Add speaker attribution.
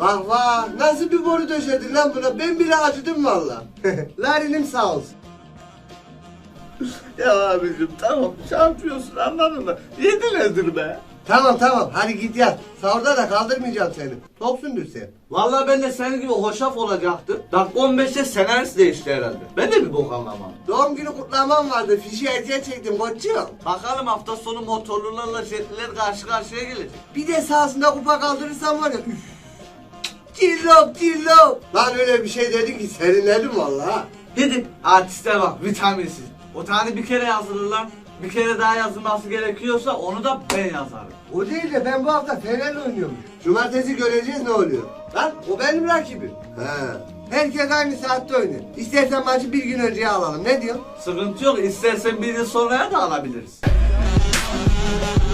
Speaker 1: Vah vah, nasıl bir boru döşedin lan buna? Ben bile acıdım valla. Larinim sağ olsun.
Speaker 2: Ya abicim tamam çarpıyorsun anladın mı? Yedi nedir be?
Speaker 1: Tamam, hadi git yat. Sahurda da kaldırmayacağım seni. Toksundur sen.
Speaker 2: Vallahi ben de senin gibi hoşaf olacaktım. Dakika 15'te senarist değişti herhalde. Ben de bir bok anlamam.
Speaker 1: Doğum günü kutlamam vardı. Fişi erken çektim koçum.
Speaker 2: Bakalım hafta sonu motorlularla jetliler karşı karşıya gelecek.
Speaker 1: Bir de sahasında kupa kaldırırsam var ya. Üf. Cillop. Lan öyle bir şey dedin ki serinledim valla.
Speaker 2: Gidin artiste bak vitaminsiz. O tane bir kere yazılırlar. Bir kere daha yazılması gerekiyorsa onu da ben yazarım.
Speaker 1: O değil de ben bu hafta Fener'le oynuyorum. Cumartesi göreceğiz ne oluyor. Lan o benim rakibim. He. Herkes aynı saatte oynuyor. İstersen maçı bir gün önceye alalım. Ne diyorsun?
Speaker 2: Sıkıntı yok. İstersen bir yıl sonraya da alabiliriz.